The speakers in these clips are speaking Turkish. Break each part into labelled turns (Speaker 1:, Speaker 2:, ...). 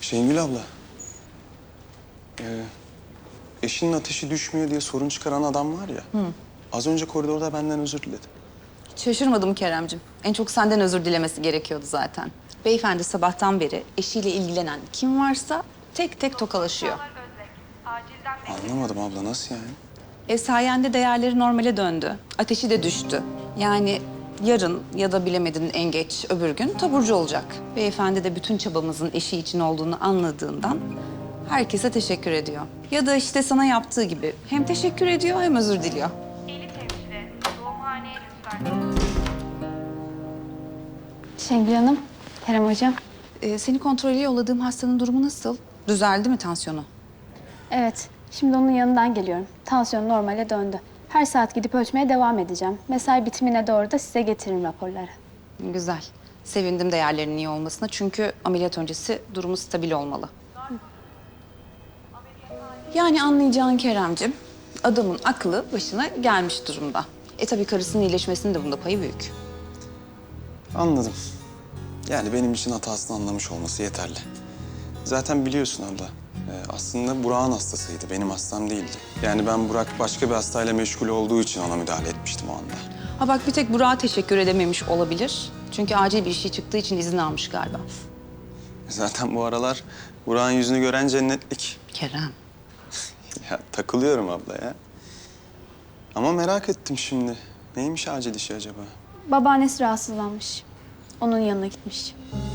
Speaker 1: Şengül abla. Eşinin ateşi düşmüyor diye sorun çıkaran adam var ya. Az önce koridorda benden özür diledi.
Speaker 2: Hiç şaşırmadım Keremcim. En çok senden özür dilemesi gerekiyordu zaten. Beyefendi sabahtan beri eşiyle ilgilenen kim varsa tek tek tokalaşıyor.
Speaker 1: Anlamadım abla, nasıl yani?
Speaker 2: Sayende değerleri normale döndü. Ateşi de düştü. Yani yarın ya da bilemedin en geç öbür gün taburcu olacak. Beyefendi de bütün çabamızın eşi için olduğunu anladığından herkese teşekkür ediyor. Ya da işte sana yaptığı gibi hem teşekkür ediyor hem özür diliyor.
Speaker 3: Elif hemşire, doğumhaneye lütfen.
Speaker 4: Şengül Hanım, Kerem Hocam.
Speaker 2: Seni kontrole yolladığım hastanın durumu nasıl? Düzeldi mi tansiyonu?
Speaker 4: Evet, şimdi onun yanından geliyorum. Tansiyon normale döndü. Her saat gidip ölçmeye devam edeceğim. Mesai bitimine doğru da size getiririm raporları.
Speaker 2: Güzel. Sevindim değerlerinin iyi olmasına çünkü ameliyat öncesi durumu stabil olmalı. Yani anlayacağın Keremcim, adamın aklı başına gelmiş durumda. Tabii karısının iyileşmesinin de bunda payı büyük.
Speaker 1: Anladım. Yani benim için hatasını anlamış olması yeterli. Zaten biliyorsun abla, aslında Burak'ın hastasıydı, benim hastam değildi. Yani ben Burak başka bir hastayla meşgul olduğu için ona müdahale etmiştim o anda.
Speaker 2: Ha bak bir tek Burak'a teşekkür edememiş olabilir. Çünkü acil bir şey çıktığı için izin almış galiba.
Speaker 1: Zaten bu aralar Burak'ın yüzünü gören cennetlik.
Speaker 2: Kerem.
Speaker 1: Ya takılıyorum abla ya. Ama merak ettim şimdi. Neymiş acil işi acaba?
Speaker 4: Babaannesi rahatsızlanmış. Onun yanına gitmiş.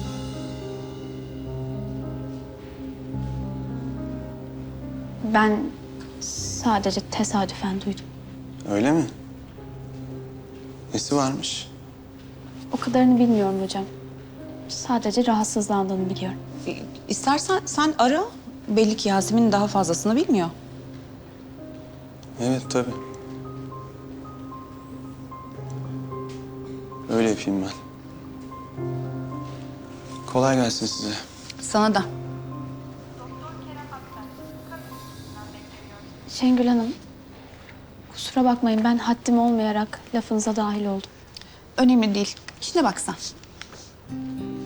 Speaker 4: Ben sadece tesadüfen duydum.
Speaker 1: Öyle mi? Nesi varmış?
Speaker 4: O kadarını bilmiyorum hocam. Sadece rahatsızlandığını biliyorum.
Speaker 2: İstersen sen ara. Belli ki Yasemin daha fazlasını bilmiyor.
Speaker 1: Evet tabii. Öyle yapayım ben. Kolay gelsin size.
Speaker 2: Sana da.
Speaker 4: Şengül Hanım, kusura bakmayın ben haddim olmayarak lafınıza dahil oldum.
Speaker 2: Önemli değil. İşine bak sen.